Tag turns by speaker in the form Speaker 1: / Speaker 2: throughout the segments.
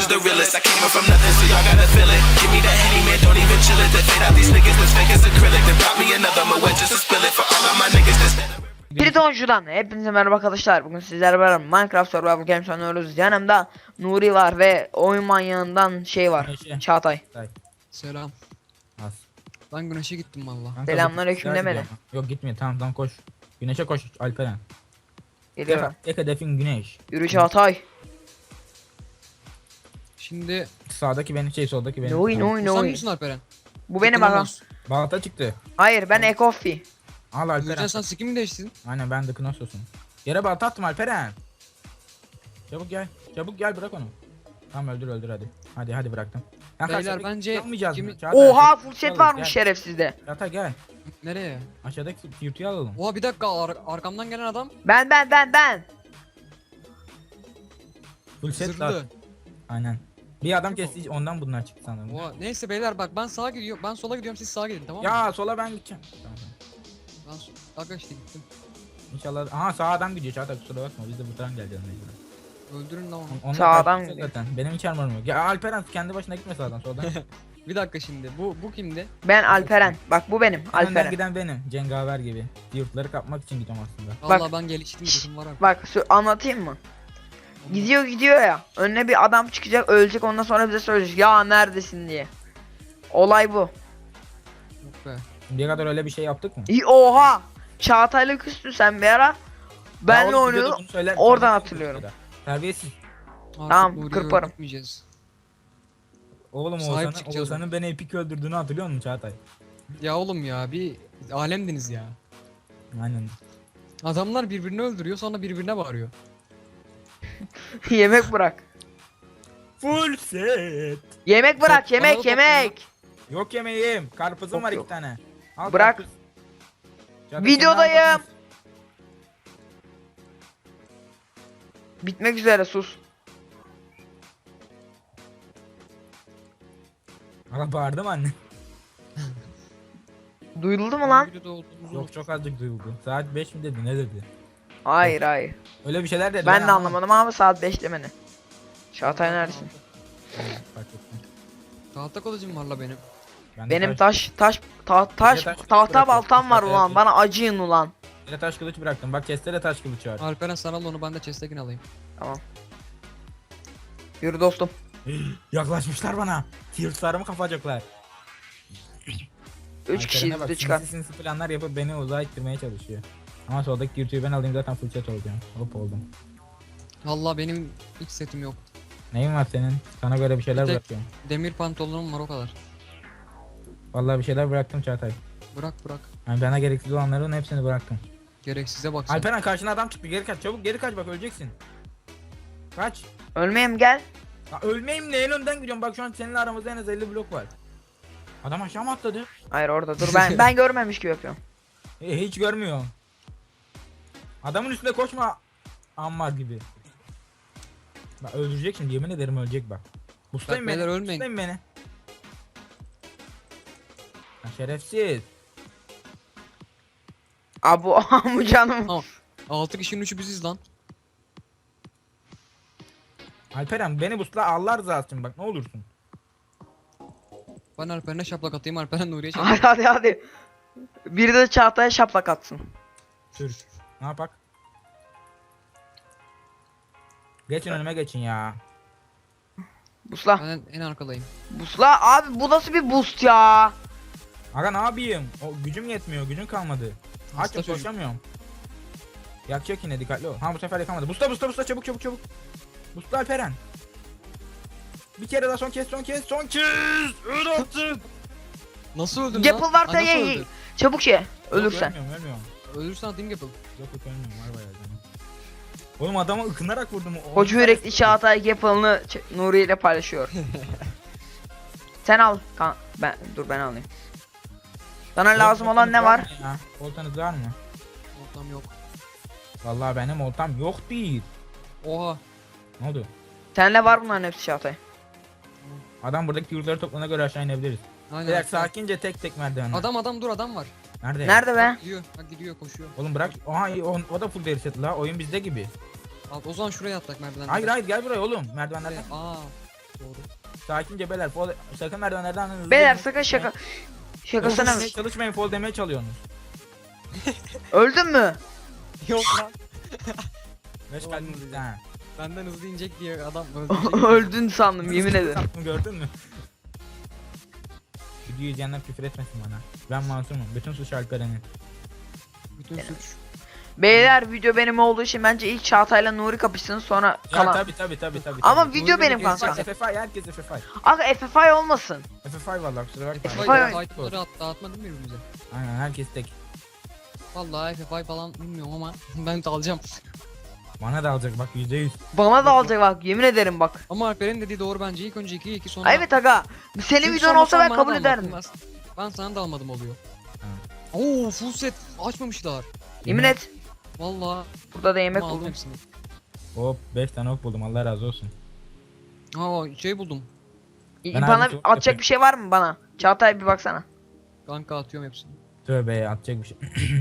Speaker 1: is the realest. I came up from nothing, so y'all gotta feel it. Give me that Henny, man, don't even chill it. They fade out these niggas that's fake as acrylic. They brought me another Moet just to spill it for all of my niggas that's
Speaker 2: Tritoncu'dan hepinize merhaba arkadaşlar. Bugün sizlerle beraber Minecraft Survival Games oynuyoruz. Yanımda Nuri var ve oyun manyağından şey var.
Speaker 3: Güneşe.
Speaker 2: Çağatay.
Speaker 4: Selam.
Speaker 3: Az.
Speaker 4: Ben güneşe gittim valla.
Speaker 3: Kanka,
Speaker 2: Selamünaleyküm
Speaker 3: bu-
Speaker 2: demedi.
Speaker 3: Yok gitmiyor, tamam koş. Güneşe koş Alperen.
Speaker 2: Geliyorum.
Speaker 3: Tek hedefin güneş.
Speaker 2: Yürü Çağatay.
Speaker 4: Şimdi
Speaker 3: Sağdaki benim soldaki benim.
Speaker 2: Nuri
Speaker 3: Tamam.
Speaker 2: Nuri
Speaker 4: sen
Speaker 2: Nuri.
Speaker 4: misin Alperen?
Speaker 2: Bu benim bagam.
Speaker 3: Balta çıktı.
Speaker 2: Hayır ben Ekofi.
Speaker 3: Al Alperen.
Speaker 4: Gürcan sen skin mi değiştirdin?
Speaker 3: Aynen ben de Knosos'um. Yere balta attım Alperen. Çabuk gel. Çabuk gel bırak onu. Tamam öldür hadi. Hadi bıraktım. Ya
Speaker 4: Beyler,
Speaker 3: aşağıdaki
Speaker 4: bence
Speaker 3: yapmayacağız
Speaker 4: kimi-
Speaker 3: mı? Çağatay,
Speaker 2: Oha
Speaker 3: aşağıdaki
Speaker 2: full set
Speaker 3: yurtuyu
Speaker 2: varmış
Speaker 3: alalım,
Speaker 2: şerefsizde.
Speaker 3: Gel. Çağatay gel.
Speaker 4: Nereye?
Speaker 3: Aşağıdaki yurtuyu alalım.
Speaker 4: Oha bir dakika arkamdan gelen adam
Speaker 2: Ben.
Speaker 3: Full set
Speaker 4: zırhlı.
Speaker 3: var. Aynen. Bir adam kesti ondan bunlar çıktı sanırım.
Speaker 4: Oha neyse beyler bak ben sağa gidiyorum. Ben sola gidiyorum siz sağa gidin tamam mı?
Speaker 3: Ya sola ben gideceğim. Tamam.
Speaker 4: Ben sağa işte gittim.
Speaker 3: İnşallah. Aha sağ adam gidiyor Çağatay kusura bakma biz de buradan geleceğiz mecburen.
Speaker 4: Öldürün lan onu.
Speaker 3: Onlar
Speaker 2: Sağ adam
Speaker 3: karşımızda
Speaker 2: gidiyor.
Speaker 3: zaten. Benim hiç armorum yok. Ya Alperen kendi başına gitme sağdan soldan.
Speaker 4: Bir dakika şimdi bu kimdi?
Speaker 2: Ben Alperen. Bak bu benim
Speaker 3: Önden
Speaker 2: Alperen.
Speaker 3: giden benim. Cengaver gibi. Yurtları kapmak için gidiyorum aslında.
Speaker 4: Valla ben geliştim gözüm var abi.
Speaker 2: Bak anlatayım mı? Gidiyor ya. Önüne bir adam çıkacak, ölecek, ondan sonra bize söyleyecek ya neredesin diye. Olay bu.
Speaker 4: Yok be.
Speaker 3: Şimdiye kadar öyle bir şey yaptık mı?
Speaker 2: Oha! Çağatay'la küstün sen bir ara.
Speaker 3: Ya
Speaker 2: Benle
Speaker 3: oğlum,
Speaker 2: oynuyorduk.
Speaker 3: videoda bunu söyler-
Speaker 2: oradan
Speaker 3: söyler-
Speaker 2: hatırlıyorum.
Speaker 3: Terbiyesiz.
Speaker 4: Artık
Speaker 2: Tamam,
Speaker 4: Nuri'yi
Speaker 2: kırparım.
Speaker 4: öldürtmeyeceğiz.
Speaker 3: Oğlum
Speaker 4: Sahip çıkacağız
Speaker 3: Oğuzhan'ın beni epik öldürdüğünü hatırlıyor musun Çağatay?
Speaker 4: Ya oğlum ya bir alemdiniz ya.
Speaker 3: Aynen.
Speaker 4: Adamlar birbirini öldürüyor sonra birbirine bağırıyor.
Speaker 2: Yemek bırak.
Speaker 3: Full set.
Speaker 2: Yemek bırak,
Speaker 4: Bana da
Speaker 2: yemek,
Speaker 4: topla
Speaker 2: yemek.
Speaker 3: Yok yemeğim. Karpuzum
Speaker 2: Yok,
Speaker 3: var
Speaker 2: yok.
Speaker 3: 2 tane. Al
Speaker 2: Bırak.
Speaker 3: karpuz. Çağatay,
Speaker 2: Videodayım.
Speaker 3: sen ne yapıyorsun?
Speaker 2: Bitmek üzere sus.
Speaker 3: Ama bağırdım anne.
Speaker 2: Duyuldu mu lan?
Speaker 4: Videoda olduğumuzu
Speaker 3: Yok çok azıcık duyuldu. Saat 5 mi dedi ne dedi?
Speaker 2: Hayır.
Speaker 3: Öyle bir şeyler dedi.
Speaker 2: Ben de
Speaker 3: ama-
Speaker 2: anlamadım ama saat 5 demeni. Çağatay neredesin?
Speaker 3: Fark ettim.
Speaker 4: Tahta kılıcım var la benim.
Speaker 3: Ben de
Speaker 2: Benim
Speaker 3: taş
Speaker 2: taş
Speaker 3: taş
Speaker 2: tahta
Speaker 3: bırakıyorum.
Speaker 2: baltam var ulan.
Speaker 3: Evet.
Speaker 2: Bana acıyın ulan.
Speaker 3: Yine taş kılıç bıraktım. Bak chest'te de taş kılıç var.
Speaker 4: Alperen sana al onu ben de chest'tekini alayım.
Speaker 2: Yürü dostum.
Speaker 3: Yaklaşmışlar bana. Tiyurtlarımı kapacaklar.
Speaker 2: 3 kişiyiz
Speaker 3: bak,
Speaker 2: de çıkar.
Speaker 3: sinsi planlar yapıp beni uzağa ittirmeye çalışıyor. Ama soldaki yurtuyu ben alayım zaten full set olacağım. Hop oldum.
Speaker 4: Valla benim hiç setim yok.
Speaker 3: Neyin var senin? Sana göre bir şeyler
Speaker 4: Bir tek-
Speaker 3: bırakıyorum.
Speaker 4: Demir pantolonum var o kadar.
Speaker 3: Vallahi bir şeyler bıraktım Çağatay.
Speaker 4: Bırak.
Speaker 3: Yani bana gereksiz olanların hepsini bıraktım.
Speaker 4: Gereksize bak sen.
Speaker 3: Alperen karşına adam çıktı geri kaç çabuk geri kaç bak öleceksin. Kaç.
Speaker 2: Ölmeyeyim gel.
Speaker 3: Ya ölmeyeyim ne en önden gidiyorum bak şu an seninle aramızda en az 50 blok var. Adam aşağı mı atladı?
Speaker 2: Hayır orada dur ben görmemiş gibi yapıyorum.
Speaker 3: Hiç görmüyor. Adamın üstünde koşma. Ammar gibi. Bak öldürecek şimdi yemin ederim ölecek bak. Bustayım
Speaker 4: Bak,
Speaker 3: beni.
Speaker 4: beyler, ölmeyin.
Speaker 3: Bustayım beni. Ya şerefsiz.
Speaker 2: Bu canım.
Speaker 4: Tamam. 6 kişinin 3'ü biziz lan.
Speaker 3: Alperen beni bustla Allah rızası için bak ne olursun.
Speaker 4: Ben Alperen'e şaplak atayım Alperen Nuri'ye şaplak.
Speaker 2: Hadi. Biri de Çağatay'a şaplak atsın.
Speaker 3: Sür. Ne yapak? Geçin önüme geçin ya.
Speaker 2: Busla.
Speaker 4: Ben en arkadayım.
Speaker 2: Busla abi bu nasıl bir boost ya?
Speaker 3: Aga ne yapayım? O gücüm yetmiyor. Gücüm kalmadı.
Speaker 4: Hasta
Speaker 3: Açım
Speaker 4: çocuk.
Speaker 3: koşamıyorum. Yakacak yine dikkatli ol. Ha bu sefer yakamadı. Busta çabuk. Busta Alperen. Bir kere daha son kez. Öl artık.
Speaker 4: Nasıl öldün lan?
Speaker 2: Yapıl varsa
Speaker 4: Ay, nasıl
Speaker 2: ye.
Speaker 4: öldün?
Speaker 2: Çabuk şey. Ölürsen.
Speaker 3: Ölmüyorum.
Speaker 4: Ölürsen atayım yapıl.
Speaker 3: Yok ölmüyorum var bayağı canım. Oğlum adama ıkınarak vurdum.
Speaker 2: Koca yürekli Çağatay Gapal'ını Nuri ile paylaşıyor. Sen al. Ben alayım. Sana lazım olan ne var?
Speaker 3: Oltanız var mı?
Speaker 4: Ortam yok.
Speaker 3: Vallahi benim oltam yok değil.
Speaker 4: Oha.
Speaker 3: Ne oldu?
Speaker 2: Seninle var bunların hepsi Çağatay.
Speaker 3: Adam buradaki yurtları toplana göre aşağı inebiliriz.
Speaker 4: Aynen.
Speaker 3: Beyler sakince tek merdiven.
Speaker 4: Adam dur adam var.
Speaker 3: Nerede?
Speaker 2: Nerede be?
Speaker 4: Gidiyor koşuyor.
Speaker 3: Oğlum bırak. Oha o da full deri set la. Oyun bizde gibi.
Speaker 4: O zaman şuraya attak merdivenden.
Speaker 3: Hayır gel buraya oğlum. Merdivenlerden.
Speaker 4: Aa. Doğru.
Speaker 3: Sakince beyler. Fall, sakın merdivenlerden hızlı.
Speaker 2: Beyler
Speaker 3: inmeyin.
Speaker 2: sakın şakasına mı?
Speaker 3: Çalışmayın, fall demeye çalıyorsunuz.
Speaker 2: Öldün mü?
Speaker 4: Yok lan.
Speaker 3: Beş
Speaker 4: Ulan
Speaker 3: kalbim
Speaker 4: bu
Speaker 3: gitti ha.
Speaker 4: Benden hızlı inecek diye adam öldürecek.
Speaker 2: Öldün sandım yemin ederim.
Speaker 3: Sattım, gördün mü? Videoyu izleyenler küfür etmesin bana. Ben masumum. Bütün suç Alperen'in.
Speaker 4: Bütün suç.
Speaker 2: Beyler video benim olduğu için bence ilk Çağatay'la Nuri kapışsın sonra
Speaker 3: Ya
Speaker 2: kalan.
Speaker 3: tabi.
Speaker 2: Ama
Speaker 3: tabi.
Speaker 2: video benim
Speaker 4: Nuri
Speaker 2: kanka.
Speaker 3: FFI, herkes FFI.
Speaker 2: Aga FFI olmasın.
Speaker 3: FFI vallahi kusura bakma.
Speaker 2: FFI
Speaker 4: Fight'ları dağıtmadın mı birbirimize?
Speaker 3: Aynen herkes tek.
Speaker 4: Vallahi FFI falan bilmiyorum ama ben de alacağım.
Speaker 3: Bana da alacak bak %100.
Speaker 2: Bana da alacak bak yemin ederim bak.
Speaker 4: Ama Alper'in dediği doğru bence. İlk önce 2 sonra...
Speaker 2: Evet aga. Senin
Speaker 4: Çünkü
Speaker 2: videon
Speaker 4: sonra
Speaker 2: olsa
Speaker 4: sen
Speaker 2: ben
Speaker 4: bana
Speaker 2: kabul
Speaker 4: da
Speaker 2: ederdim.
Speaker 4: almadın. Ben sana da almadım oluyor. Oo full set açmamışlar.
Speaker 2: Yemin et.
Speaker 4: Vallahi
Speaker 2: Burada da yemek
Speaker 4: ama aldım
Speaker 2: buldum.
Speaker 4: hepsini.
Speaker 3: Hop 5 tane ok buldum Allah razı olsun.
Speaker 4: Aa şey buldum.
Speaker 3: Ben
Speaker 2: Bana
Speaker 3: abi çok
Speaker 2: atacak
Speaker 3: yapayım.
Speaker 2: bir şey var mı bana? Çağatay bir baksana.
Speaker 4: Kanka atıyorum hepsini.
Speaker 3: Tövbe atacak bir şey.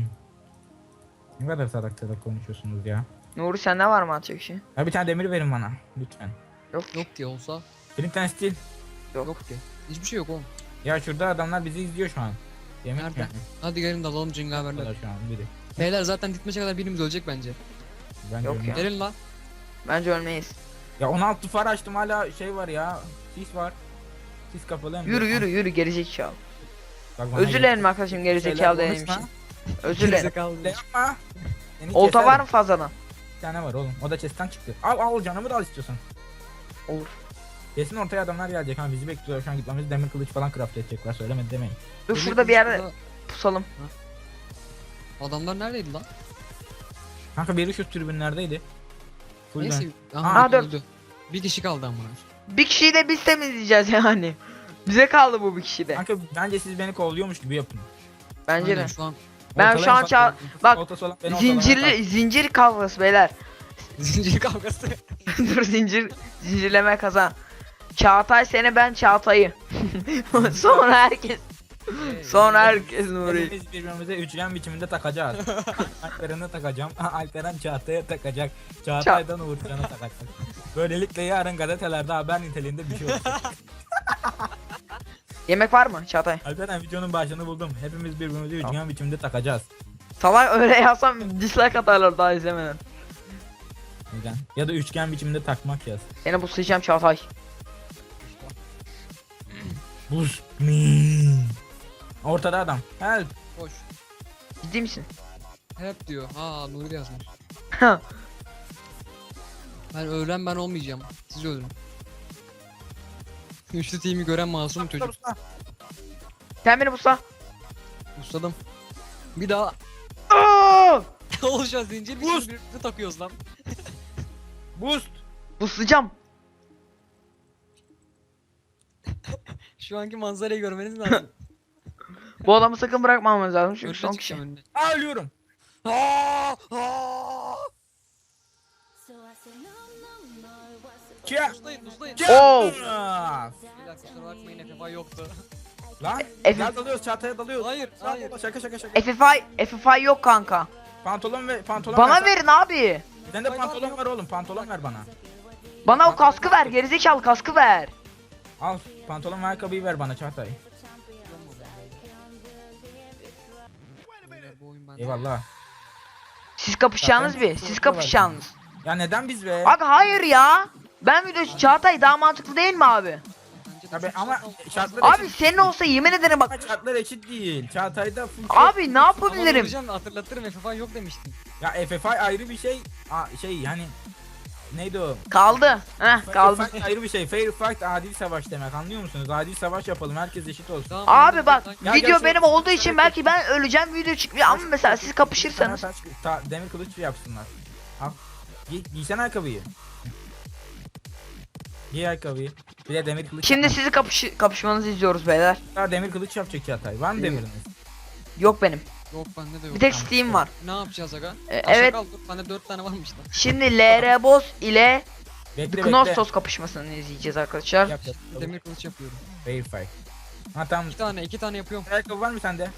Speaker 3: Ne kadar salak konuşuyorsunuz ya.
Speaker 2: Nuri sende var mı atacak bir şey?
Speaker 3: Ya bir tane demir verin bana lütfen.
Speaker 4: Yok ki olsa.
Speaker 3: Flint and Steel.
Speaker 4: Yok ki. Hiçbir şey yok oğlum.
Speaker 3: Ya şurada adamlar bizi izliyor şu an. Yemek
Speaker 4: Nerede?
Speaker 3: yani.
Speaker 4: Hadi gelin dalalım cengaverler.
Speaker 3: Şu an biri.
Speaker 4: Beyler zaten ditmeçe kadar birimiz ölecek bence.
Speaker 3: Ben
Speaker 2: Yok
Speaker 3: görmüyorum.
Speaker 2: ya.
Speaker 4: Gelin lan.
Speaker 2: Bence ölmeyiz.
Speaker 3: Ya 16 far açtım hala şey var ya. Sis var. Sis kapalı hem de-
Speaker 2: Yürü gerizekalı.
Speaker 3: Bak bana
Speaker 2: Özür dilerim arkadaşım gerizekalı
Speaker 3: Şeyler
Speaker 2: dediğim
Speaker 3: konuşma.
Speaker 2: için. Özür dilerim.
Speaker 4: Gerizekalı.
Speaker 3: Ne yapma. Seni
Speaker 2: Olta
Speaker 3: keserim.
Speaker 2: var mı fazladan?
Speaker 3: Bir tane var oğlum. O da chest'ten çıktı. Al canımı da al istiyorsan.
Speaker 2: Olur.
Speaker 3: Kesin ortaya adamlar gelecek ha bizi bekliyorlar şu an gitmemiz demir kılıç falan craft edecekler söylemedi demeyin.
Speaker 2: Dur
Speaker 4: Demir
Speaker 2: şurada bir yerde
Speaker 4: kılıçla-
Speaker 2: pusalım.
Speaker 4: Adamlar neredeydi lan?
Speaker 3: Kanka biri şu tribünlerdeydi. Full
Speaker 4: Neyse.
Speaker 3: dön.
Speaker 4: Aha,
Speaker 2: Aa, dört.
Speaker 4: öldü. Bir kişi kaldı amına.
Speaker 2: Bir kişiyi de biz temizleyeceğiz yani. Bize kaldı bu bir kişi de.
Speaker 3: Kanka bence siz beni kovalıyormuş gibi yapın.
Speaker 2: Bence
Speaker 4: Aynen
Speaker 2: de.
Speaker 4: şu an
Speaker 2: Ben
Speaker 3: Ortalayın
Speaker 2: şu an
Speaker 3: bak-
Speaker 2: bak,
Speaker 3: ortası olan beni ortalamaya
Speaker 2: zincir kavgası beyler.
Speaker 4: zincir kavgası.
Speaker 2: Dur zincirleme kazan. Çağatay seni ben Çağatay'ı. Sonra herkes
Speaker 3: kalk.
Speaker 2: Nuri.
Speaker 3: Hepimiz birbirimize üçgen biçiminde takacağız. Alperen'e takacağım. Alperen Çağatay'a takacak. Çağatay'dan Uğurcan'a takacak. Böylelikle yarın gazetelerde haber niteliğinde bir şey olacak.
Speaker 2: Yemek var mı Çağatay?
Speaker 3: Alperen videonun başını buldum. Hepimiz birbirimize üçgen biçimde takacağız.
Speaker 2: Salak öyle yazsam dislike atarlar daha izlemeden.
Speaker 3: Neden? Ya da üçgen biçimde takmak yaz.
Speaker 2: Seni buslayacağım Çağatay.
Speaker 3: Buz. Me. Ortada adam. Help.
Speaker 4: Koş.
Speaker 2: Ciddi misin?
Speaker 4: Hep diyor. Ha Nuri de yazmış. Ben öğren ben olmayacağım. Siz öldürün. Üçlü team'i gören masum çocuk.
Speaker 2: Sen beni busla.
Speaker 4: Ustadım. Bir daha.
Speaker 2: Aa!
Speaker 4: Oluşan zincir bir
Speaker 3: Boost.
Speaker 4: sürü birbirimize takıyoruz lan.
Speaker 3: Boost.
Speaker 2: Buslayacağım.
Speaker 4: Şu anki manzarayı görmeniz lazım.
Speaker 2: Bu adamı sakın bırakmamamız lazım çünkü
Speaker 4: Önüne
Speaker 2: son
Speaker 4: çıkacağım
Speaker 2: kişi.
Speaker 4: önüne.
Speaker 3: Aa, ölüyorum. Kia.
Speaker 4: Uzlayın uzlayın.
Speaker 2: Oo.
Speaker 4: Bir dakika kusura bakmayın FFA yoktu.
Speaker 3: Lan.
Speaker 2: Efe-
Speaker 3: Gel dalıyoruz çataya dalıyoruz.
Speaker 4: Hayır hayır.
Speaker 3: Şaka.
Speaker 2: FFI yok kanka.
Speaker 3: Pantolon ve pantolon
Speaker 2: Bana
Speaker 3: ver.
Speaker 2: verin abi.
Speaker 3: Sen de pantolon ver oğlum. Pantolon ver bana.
Speaker 2: Bana o kaskı ver gerizekalı kaskı ver.
Speaker 3: Al pantolon ve ayakkabıyı ver bana Çağatay.
Speaker 4: Beyler, bu oyun bende.
Speaker 3: Eyvallah.
Speaker 2: Siz kapışacağınız
Speaker 3: Zaten
Speaker 2: bir.
Speaker 3: çok
Speaker 2: Siz
Speaker 3: kolay.
Speaker 2: kapışacağınız.
Speaker 3: Ya neden biz be?
Speaker 2: Abi hayır ya. Ben video Çağatay daha mantıklı değil mi abi?
Speaker 4: Bence de
Speaker 3: Ya be,
Speaker 4: çok
Speaker 3: ama
Speaker 4: sağlam.
Speaker 3: şartlar
Speaker 2: Abi
Speaker 3: eşit.
Speaker 2: senin olsa yemin ederim bak.
Speaker 3: Ama şartlar eşit değil. Çağatay'da full
Speaker 2: Abi ne
Speaker 4: Ama
Speaker 2: yapabilirim?
Speaker 4: vuracağım, hatırlatırım FFA yok demiştin.
Speaker 3: Ya FFI ayrı bir şey. Şey hani neydi o?
Speaker 2: Kaldı. Heh
Speaker 3: Fair
Speaker 2: kaldı.
Speaker 3: fight ayrı bir şey. Fair fight adil savaş demek. Anlıyor musunuz? Adil savaş yapalım. Herkes eşit olsun.
Speaker 4: Tamam,
Speaker 2: Abi bak
Speaker 3: Ya
Speaker 2: video
Speaker 3: gel şu-
Speaker 2: benim olduğu için belki ben öleceğim video çıkmıyor ama mesela siz kapışırsanız.
Speaker 3: Demir kılıç yapsınlar. Al. Giysene ayakkabıyı. Giy ayakkabıyı. Bir de demir kılıç.
Speaker 2: Şimdi
Speaker 3: yapma.
Speaker 2: sizi kapışmanızı izliyoruz beyler.
Speaker 3: Daha demir kılıç yapacak Çağatay. Var mı demiriniz?
Speaker 2: Yok benim.
Speaker 4: Yok bende de yok.
Speaker 2: Bir tek
Speaker 3: Tamam.
Speaker 2: Steam var.
Speaker 4: Ne yapacağız aga?
Speaker 2: Evet.
Speaker 4: Kal, dur, bende 4 tane varmış lan.
Speaker 2: Şimdi LR Boss ile
Speaker 3: Bekle
Speaker 2: Knossos kapışmasını izleyeceğiz arkadaşlar.
Speaker 3: Yap.
Speaker 4: Demir kılıç yapıyorum.
Speaker 3: Fair fight. Ha tamam.
Speaker 4: 2 tane yapıyorum.
Speaker 3: Ayakkabı var mı sende?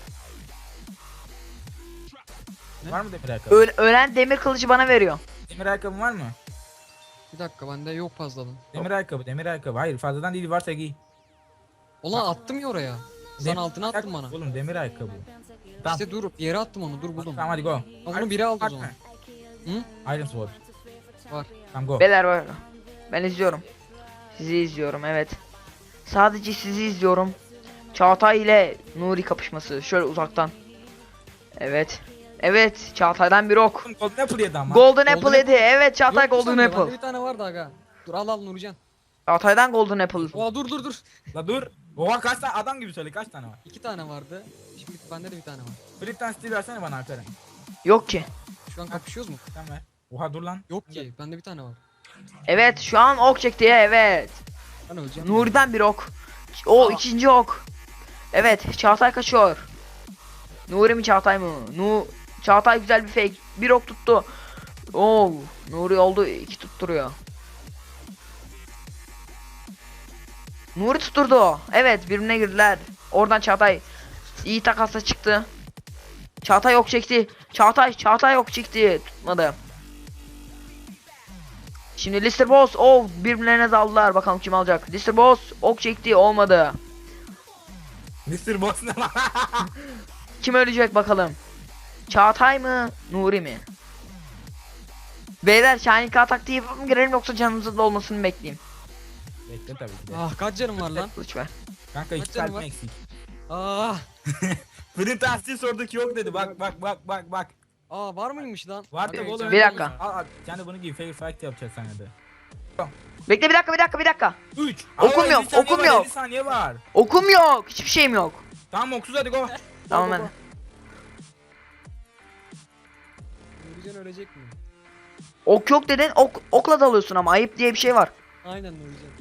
Speaker 4: Ne?
Speaker 3: Var mı demir ayakkabı?
Speaker 2: Ölen demir kılıcı bana veriyor.
Speaker 3: Demir ayakkabı var mı?
Speaker 4: Bir dakika bende yok fazladan.
Speaker 3: Demir ayakkabı, demir ayakkabı. Hayır fazladan değil, varsa giy.
Speaker 4: Ulan attım ya oraya. Sen altına attın bana.
Speaker 3: Oğlum demir ayakkabı. Tamam.
Speaker 4: İşte dur yere attım onu, dur buldum.
Speaker 3: Tamam hadi go.
Speaker 4: Ama bunu biri aldı o zaman.
Speaker 3: Iron Sword.
Speaker 4: Var.
Speaker 3: Tamam go.
Speaker 2: Beyler var. Ben izliyorum. Sizi izliyorum evet. Sadece sizi izliyorum. Çağatay ile Nuri kapışması. Şöyle uzaktan. Evet. Evet. Çağatay'dan bir ok.
Speaker 3: Golden Apple yedi ama.
Speaker 2: Golden
Speaker 4: Golden
Speaker 2: Apple yedi. Evet Çağatay
Speaker 4: Yok mu
Speaker 2: Golden
Speaker 4: sende? Bende
Speaker 2: Apple.
Speaker 4: bir tane vardı aga. Dur al Nurcan.
Speaker 2: Çağatay'dan Golden Apple.
Speaker 4: Oha dur.
Speaker 3: La dur. Oha kaç tane adam gibi söyle, kaç tane var?
Speaker 4: 2 tane vardı. Şimdi bende de bir tane var.
Speaker 3: Flip'ten stil versene bana Alperen.
Speaker 2: Yok ki.
Speaker 4: Şu an kapışıyoruz mu?
Speaker 3: Sen ver. Oha dur lan.
Speaker 4: Yok ki. Bende bir tane var.
Speaker 2: Evet şu an ok çekti evet.
Speaker 4: Ben öleceğim.
Speaker 2: Nuri'den bir ok. O
Speaker 4: Aa.
Speaker 2: ikinci ok. Evet Çağatay kaçıyor. Nuri mi Çağatay mı? Çağatay güzel bir fake. Bir ok tuttu. Oo, Nuri oldu 2 tutturuyor. Nuri tutturdu. Evet birbirine girdiler. Oradan Çağatay iyi takasla çıktı. Çağatay ok çekti. Çağatay ok çekti. Tutmadı. Şimdi Lister Boss birbirlerine daldılar. Bakalım kim alacak. Lister Boss ok çekti olmadı.
Speaker 3: Mr. Boss ne lan?
Speaker 2: Kim ölecek bakalım. Çağatay mı? Nuri mi? Beyler Şahin taktiği yapıp mı girelim yoksa canımızın dolmasını bekleyeyim.
Speaker 3: Bekle tabii ki de.
Speaker 4: Ah kaç canım var lan?
Speaker 2: Kılıç ver.
Speaker 3: Kanka iki
Speaker 4: Kaç canım
Speaker 3: kalbim
Speaker 4: var?
Speaker 3: eksik.
Speaker 4: Ah.
Speaker 3: Flint Astil sorduk yok dedi, bak.
Speaker 4: Aa var mıymış lan?
Speaker 3: Var
Speaker 4: Hadi
Speaker 3: tabi oğlum.
Speaker 4: öleceğim.
Speaker 2: Bir dakika.
Speaker 3: Al yani bunu giy, fair fight yapacağız sana da.
Speaker 2: Bekle bir dakika.
Speaker 3: 3.
Speaker 2: Okum yok, okum yok.
Speaker 3: 50 saniye var.
Speaker 2: Okum yok. Hiçbir şeyim yok.
Speaker 3: Tamam oksuz hadi go.
Speaker 2: Tamam
Speaker 3: Go,
Speaker 2: hadi.
Speaker 3: go.
Speaker 4: Nurcan ölecek mi?
Speaker 2: Ok yok dedin. Okla dalıyorsun ama ayıp diye bir şey var.
Speaker 4: Aynen Nurcan.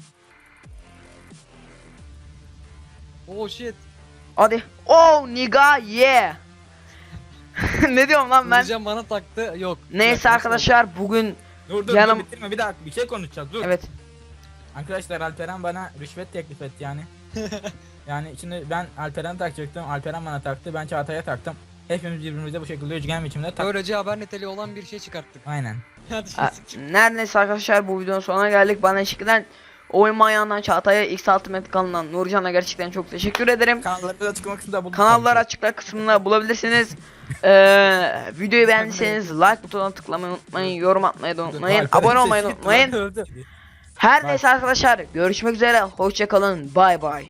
Speaker 4: Oh shit.
Speaker 2: Hadi. Niga yeah. Ne diyorum lan ben?
Speaker 4: Nurcan bana taktı. Yok.
Speaker 2: Neyse arkadaşlar bugün
Speaker 3: Dur
Speaker 2: Yanım-
Speaker 3: bitirme, bir dakika bir şey konuşacağız, dur.
Speaker 2: evet.
Speaker 3: Arkadaşlar Alperen bana rüşvet teklif etti yani. Yani şimdi ben Alperen'e takacaktım, Alperen bana taktı, ben Çağatay'a taktım. Hepimiz birbirimize bu şekilde üçgen biçimde taktık.
Speaker 4: Böylece haber niteliği olan bir şey çıkarttık.
Speaker 3: Aynen.
Speaker 4: Hadi
Speaker 2: Ha, neredeyse arkadaşlar bu videonun sonuna geldik. Bana eşlikten oyun manyağından Çağatay'a X6 Met kanalından Nurcan'a gerçekten çok teşekkür ederim.
Speaker 3: Kanalları da açıklama kısmında bulduk.
Speaker 2: Kanallar açıklar kısmında bulabilirsiniz. Videoyu beğendiyseniz like butonuna tıklamayı unutmayın, yorum atmayı da unutmayın, abone olmayı unutmayın. Her neyse arkadaşlar görüşmek üzere, hoşça kalın, bay bay.